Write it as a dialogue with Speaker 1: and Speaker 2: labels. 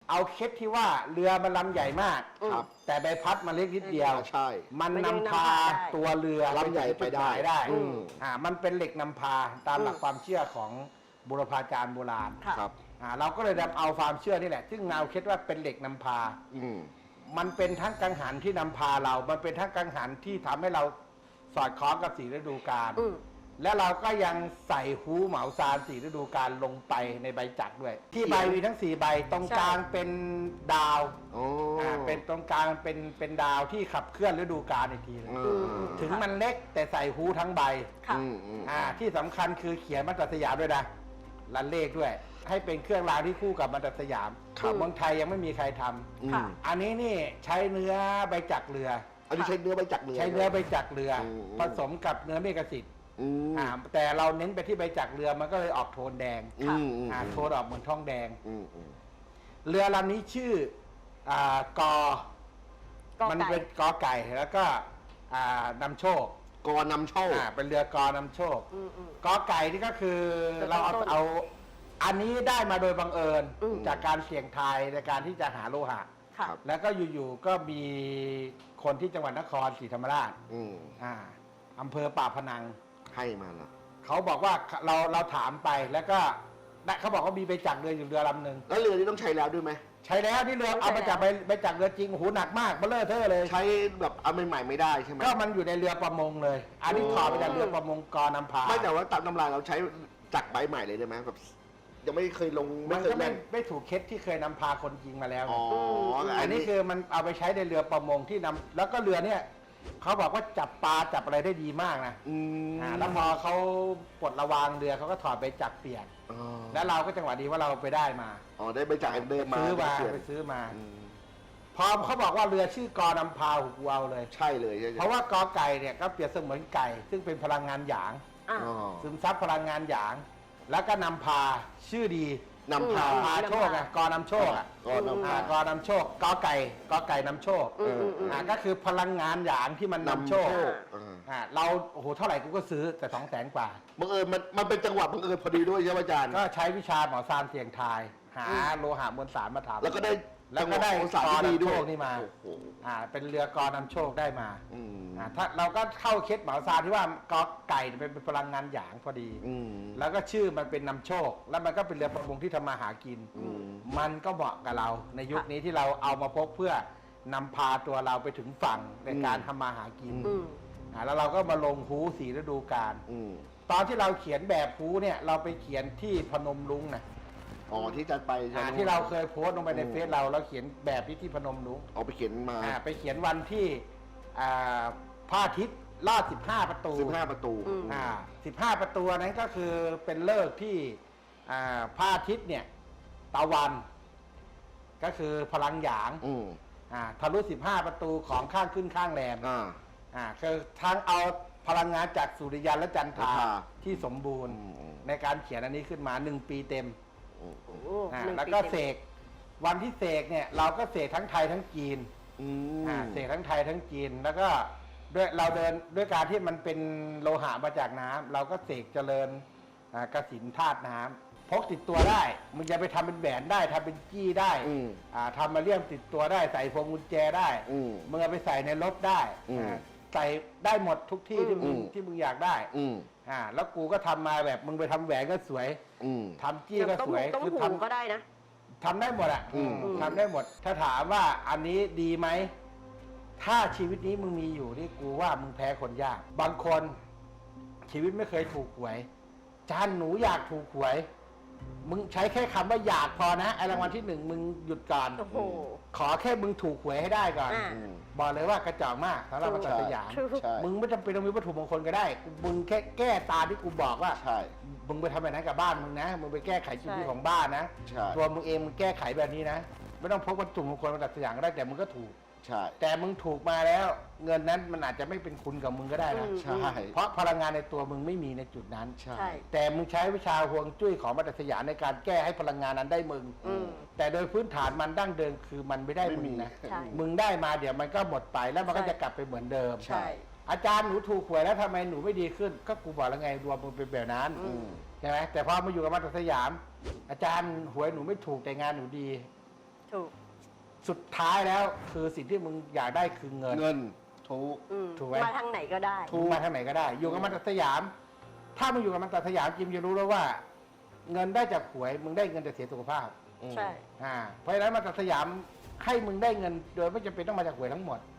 Speaker 1: เอาเคสที่ว่าเรือมันลำใหญ่มาก
Speaker 2: ครับ
Speaker 1: แต่ใบพัดมันเล็กนิดเดียว
Speaker 2: ใช่
Speaker 1: มันนำพาตัวเรือ
Speaker 2: ลำใหญ่ไปได้
Speaker 1: มันเป็นเหล็กนำพาตามหลักความเชื่อของบุรพาจารย์โบราณ
Speaker 2: ครับ
Speaker 1: เราก็เลยนำเอาความเชื่อนี่แหละ ซึ่งเราคิดว่าเป็นเหล็กนำพา มันเป็นทั้งกังหันที่นำพาเรา มันเป็นทั้งกังหันที่ทำให้เราสอดคล้องกับ4 ฤดูกาล และเราก็ยังใส่ฮูเหมาซาน4 ฤดูกาลลงไปในใบจักรด้วย ที่ใบมีทั้ง4 ใบ ตรงกลางเป็นดาวเป็นตรงกลางเป็นดาวที่ขับเคลื่อนฤดูกาลอีกทีนึงถึงมันเล็กแต่ใส่ฮูทั้งใบที่สำคัญคือเขียนมาตรสยามด้วยนะลันเลขด้วย ให้เป็นเครื่องรางที่คู่กับมาตรสยามเมืองไทยยังไม่มีใครทำอันนี้นี่ใช้เนื้อใบจักรเรือ
Speaker 2: อันนี้ใช้เนื้อใบจักรเรือ
Speaker 1: ใช้เนื้อใบจักรเรือ ผสมกับเนื้อเมฆสิทธิ์แต่เราเน้นไปที่ใบจักรเรือมันก็เลยออกโทนแดงโทนออกเหมือนทองแดงเรือลำนี้ชื่อกอมันเป็นกอไก่แล้วก็นำโชค
Speaker 2: กอนำโชค
Speaker 1: เป็นเรือกอนำโชคกอไก่นี่ก็คือเราเอาอันนี้ได้มาโดยบังเอิญจากการเสี่ยงทายในการที่จะหาโลหะแล้วก็อยู่ๆก็มีคนที่จังหวัดนครศรีธรรมราชอำเภอป่าพนัง
Speaker 2: ให้มาละ
Speaker 1: เขาบอกว่าเราถามไปแล้วก็เขาบอกว่ามีใบจักรเรืออยู่เรือลำหนึ่ง
Speaker 2: แล้วเรือนี้ต้องใช้แล้วด้วยไหม
Speaker 1: ใช้แล้วที่เรือเอามาจากใบจักรเรือจริงโหหนักมากเบลเลอร์เทอร์เลย
Speaker 2: ใช้แบบเอาใหม่ๆไม่ได้ใช่ไหม
Speaker 1: ก็มันอยู่ในเรือประมงเลยอันนี้ถอดมาจากเรือประมงกอนำพา
Speaker 2: ไม่แต่ว่าตามตำราเราใช้จักรใบใหม่เลยได้ไหมแบบยังไม่เคยลง
Speaker 1: มันก็ไม่ถูกเคสที่เคยนำพาคนจริงมาแล้วอันนี้คือมันเอาไปใช้ในเรือประมงที่นำแล้วก็เรือเนี่ยเขาบอกว่าจับปลาจับอะไรได้ดีมากนะแล้วพอเขาปลดระวางเรือเขาก็ถอดใบจักรเปลี่ยนแล้วเราก็จังหวะดีว่าเราไปได้มา
Speaker 2: ได้ใบจักรเดิมมา
Speaker 1: ไปซื้อมาพอเขาบอกว่าเรือชื่อกอนำพาหูกูเอาเลย
Speaker 2: ใช่เลย
Speaker 1: เพราะว่ากอไก่เนี่ยก็เปรียบเสมือนไก่ซึ่งเป็นพลังงานหยางซึมซับพลังงานหยางแล้วก็นำพาชื่อดี
Speaker 2: นำพา
Speaker 1: โชคกอนำโชคกอนำโชคกอไก่นำโชคก็คือพลังงานหยางที่มันนำโชคเราโอ้โหเท่าไหร่กูก็ซื้อแต่200,000 กว่า
Speaker 2: บังเอิญมันเป็นจังหวะบังเอิญพอดีด้วยใช่ไหมอาจารย์
Speaker 1: ก็ใช้วิชาหมอซานเสี่ยงทายหาโลหะมวลสารมาทำ
Speaker 2: แล้วก็ได้
Speaker 1: กอนำโชคนี่มาเป็นเรือกอนำโชคได้มาถ้าเราก็เข้าเคสหมอซานที่ว่ากอไก่เป็นพลังงานหยางพอดีแล้วก็ชื่อมันเป็นนำโชคแล้วมันก็เป็นเรือประมงที่ทำมาหากินมันก็เหมาะกับเราในยุคนี้ที่เราเอามาพกเพื่อนำพาตัวเราไปถึงฝั่งในการทำมาหากินแล้วเราก็มาลงฮู4 ฤดูกาลตอนที่เราเขียนแบบฮูเนี่ยเราไปเขียนที่พนมรุ้งนะ
Speaker 2: ที่จะไป
Speaker 1: ที่เราเคยโพสต์ลงไปในเฟซเราเขียนแบบที่พนมรุ้ง
Speaker 2: ไปเขียนมา
Speaker 1: ไปเขียนวันที่พระอาทิตย์ลอด15 ประตู
Speaker 2: 15 ประตู
Speaker 1: 15 ประตูนั้นก็คือเป็นฤกษ์ที่พระอาทิตย์เนี่ยตะวันก็คือพลังหยางทะลุ15 ประตูของข้างขึ้นข้างแรมคือทั้งเอาพลังงานจากสุริยันและจันทราที่สมบูรณ์ในการเขียนอันนี้ขึ้นมา1 ปีเต็มแล้วก็เสกวันที่เสกเนี่ยเราก็เสกทั้งไทยทั้งจีนเสกทั้งไทยทั้งจีนแล้วก็ด้วยเราเดินด้วยการที่มันเป็นโลหะมาจากน้ำเราก็เสกเจริญกสิณธาตุน้ำพกติดตัวได้มึงจะไปทำเป็นแหวนได้ทำเป็นจี้ได้ทำมาเลี่ยมติดตัวได้ใส่พวงกุญแจได้มึงเอาไปใส่ในรถได้ใส่ได้หมดทุกที่ที่มึงอยากได้แล้วกูก็ทำมาแบบมึงไปทำแหวนก็สวยทำจี้ก็สวย
Speaker 3: คือทำก็ได้นะ
Speaker 1: ทำได้หมดทำได้หมดถ้าถามว่าอันนี้ดีไหมถ้าชีวิตนี้มึงมีอยู่นี่กูว่ามึงแพ้คนยากบางคนชีวิตไม่เคยถูกหวยจานหนูอยากถูกหวยมึงใช้แค่คำว่าอยากพอนะไอ้รางวัลที่1มึงหยุดก่อนขอแค่มึงถูกหวยให้ได้ก่อนบอกเลยว่ากระจอกมากสำหรับมาตัดสยามมึงไม่จำเป็นต้องมีวัตถุมงคลก็ได้มึงแค่แก้ตาที่กูบอกว่ามึงไปทำแบบนั้นกับบ้านมึงนะมึงไปแก้ไขชีวิตของบ้านนะตัวมึงเองมึงแก้ไขแบบนี้นะไม่ต้องพกวัตถุมงคลมาตัดสยามก็ได้แต่มึงก็ถูกแต่มึงถูกมาแล้วเงินนั้นมันอาจจะไม่เป็นคุณกับมึงก็ได้นะ
Speaker 2: ใช่
Speaker 1: เพราะพลังงานในตัวมึงไม่มีในจุดนั้นแต่มึงใช้วิชาฮวงจุ้ยของมัตสยามในการแก้ให้พลังงานนั้นได้มึงแต่โดยพื้นฐานมันดั้งเดิมคือมันไม่ได้มึงนะมึงได้มาเดี๋ยวมันก็หมดไปแล้วมันก็จะกลับไปเหมือนเดิมอาจารย์หนูถูกหวยแล้วทำไมหนูไม่ดีขึ้นก็กูบอกแล้วไงดวงมึงเป็นแบบนั้นใช่ไหมแต่พอมาอยู่กับมัตสยามอาจารย์หวยหนูไม่ถูกแต่งานหนูดีสุดท้ายแล้วคือสิ่งที่มึงอยากได้คือเงิน
Speaker 2: เงินถูก
Speaker 1: ถูกไหม
Speaker 3: มาทางไหนก็ได้
Speaker 1: ถูกมาทางไหนก็ได้ อยู่กับมันตัดสยาม ถ้ามึงอยู่กับมันตัดสยามจิมจะรู้แล้วว่า เงินได้จากหวยมึงได้เงินแต่เสียสุขภาพ
Speaker 3: ใช่
Speaker 1: เพราะฉะนั้นมันตัดสยามให้มึงได้เงิน โดยไม่จำเป็นต้องมาจากหวยทั้งหมด